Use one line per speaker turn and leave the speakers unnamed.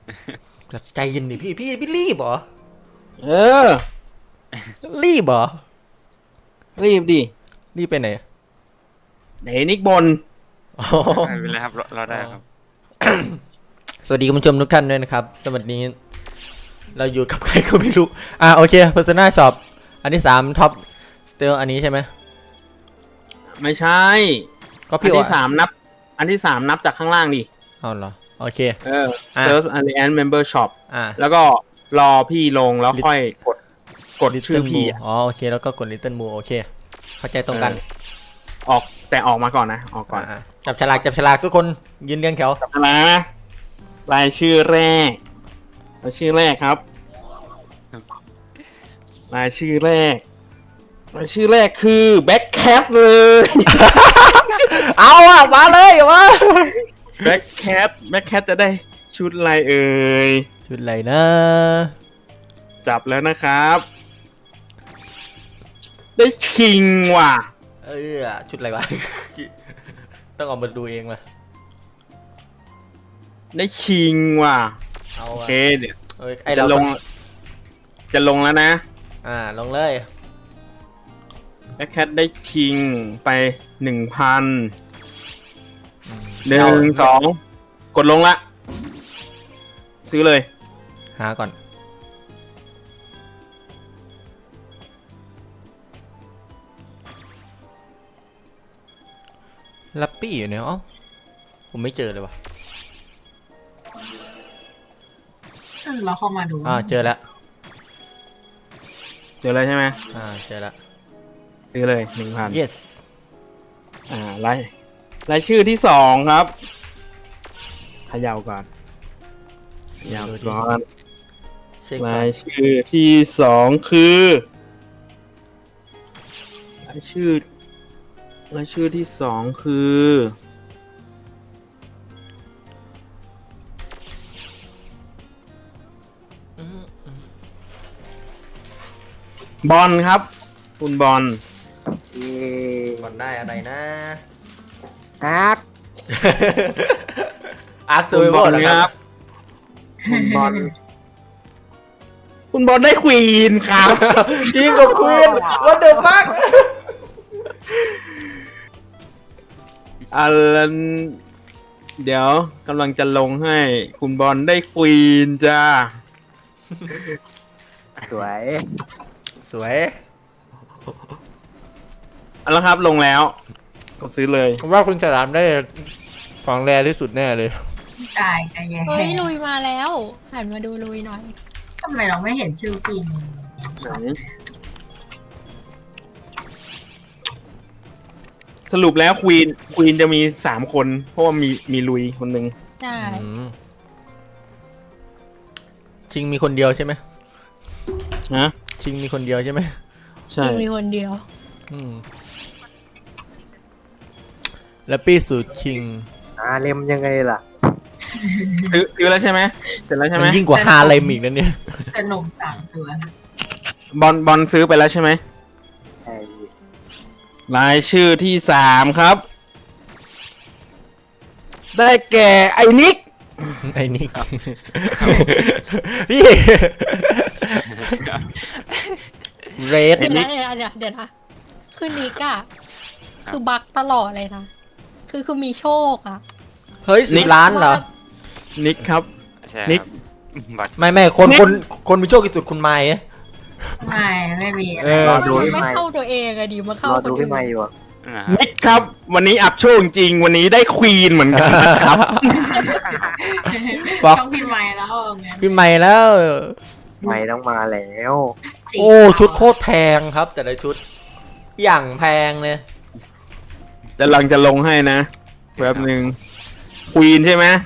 แบบใจเย็นดิพี่รีบเหรอ
เออ
รีบเหรอ
รีบดิ
รีบไปไหน
ไหนนิกบน
อ๋อ
ไม่เป็นไรครับเราได้ครับ
สวัสดีคุณผู้ชมทุกท่านด้วยนะครับสวัสดีเราอยู่กับใครก็ไม่รู้โอเค Persona Shop อันที่3 Top Still อันนี้ใช่ไหม
ไม่ใช่
ก็
อั
พี่
น
ว่า
ที่สามนับจากข้างล่างดิ
เอาเหรอโอเค
Search Alliance Member Shop แล้วก็รอพี่ลงแล้วค่อยกดชื่อ
Little
พี่
Moo โอเคแล้วก็กด Little Moo โอเคเข้าใจตรงกัน
ออกมาก่อนนะออกก่อน
จับฉลากทุกคนยืนเรียงแถว
นะรายชื่อแรกครับรายชื่อแรกคือแบ็คแคทเลย
เอามาเลยวะ
แบ็คแคทจะได้ชุดอะไรเอ่ย
ชุดอะไรนะ
จับแล้วนะครับ ได้คิงว่ะ
ชุดอะไรวะ ต้องออกมาดูเองมา
ได้คิงว่ะ
เอา
โอเคเดี๋ยว
ไอเรา
จะลงแล้วนะ
ลงเลย
แบ็คแคทได้คิงไป 1,000 1 2 กดลงละ ซื้อเลย
หาก่อนลัปปี้อยู่เนี่ยผมไม่เจอเลยวะ
เราเข้ามาดู
เจอแล้ว
เจอเลยใช่ไหม
เจอแล้ว
ซื้อเลย 1,000
yes
รายชื่อที่ 2 ครับเขย่าก่อนเขย่าก่อน
เช็คก่อ
ราน ยชื่อที่ 2 คือรายชื่อที่ 2 คือบอลครับ คุณบอล
บอลได้อะไรนะ
อาร์ต
อาร์ตซู
คุณ
เว
บ
อ
อล
ร์นะ
ค
ค
รั
รั
บบ คุณบอลได้ควีนครับ
จริงกับควีน what the fuck
อันเดี๋ยวกำลังจะลงให้คุณบอลได้ควีนจ้า
สวย
สวย
เอาละครับลงแล้วกดซื้อเลย
ผมว่าคุณฉลามได้ของแรที่สุดแน่เลย
ตายกันแย่
เฮ้ยลุยมาแล้วหันมาดูลุยหน่อย
ทำไมเราไม่เห็นชื่อจริง
สรุปแล้วควีนจะมี3 คน เพราะว่ามีลุยคนหนึ่ง
ใช่
ชิงมีคนเดียวใช่ไหม
นะ
ชิงมีคนเดียวใช่ไหม
ใช่
ยิงมีคนเดียว
แล้วปี้สูตรชิง
เลมยังไงล่ะ
ซื้อแล้วใช่ไหมเสร็จแล้วใช่ไห
มั
ม
นยิ่งกว่าฮาเลมอีกนั่นเนี่ย
แต่หนุ่ม3 ตัว
บอลซื้อไปแล้วใช่ไหม
ไอ้
รายชื่อที่ 3 ครับ ได้แก่ไอ้นิก
ไอ้นี่พี่เรด
เดี๋ยวนะคือนิกอะคือบักตลอดเลยนะคือมีโชคอะ
เฮ้ย10 ล้านเหรอ
นิกครับ
ใช่
นิก
ครับบัตร
ไม่คนมีโชคที่สุดคุณไม้
ไม่มี
รอดู
มัน
พี่
ไม่
ไมค์
เข้าตัวเองอะดิมันเข้าร
อ
คน
ดู
อื่
พี่
น
ไมค์อยู่อะ
นิกครับ วันนี้อับโชคจริงวันนี้ได้ควีนเหมือนกันนะครับ
บอก
ต้องพิมพ์ไม้แล้วไง
พี่ไม้แล้ว
ไมค์ต้องมาแล้ว
โอ้ชุดโคตรแพงครับ แต่ละชุด อย่างแพงเลย
จะลงให้นะแป๊บหนึ่งควีนใช่ไหม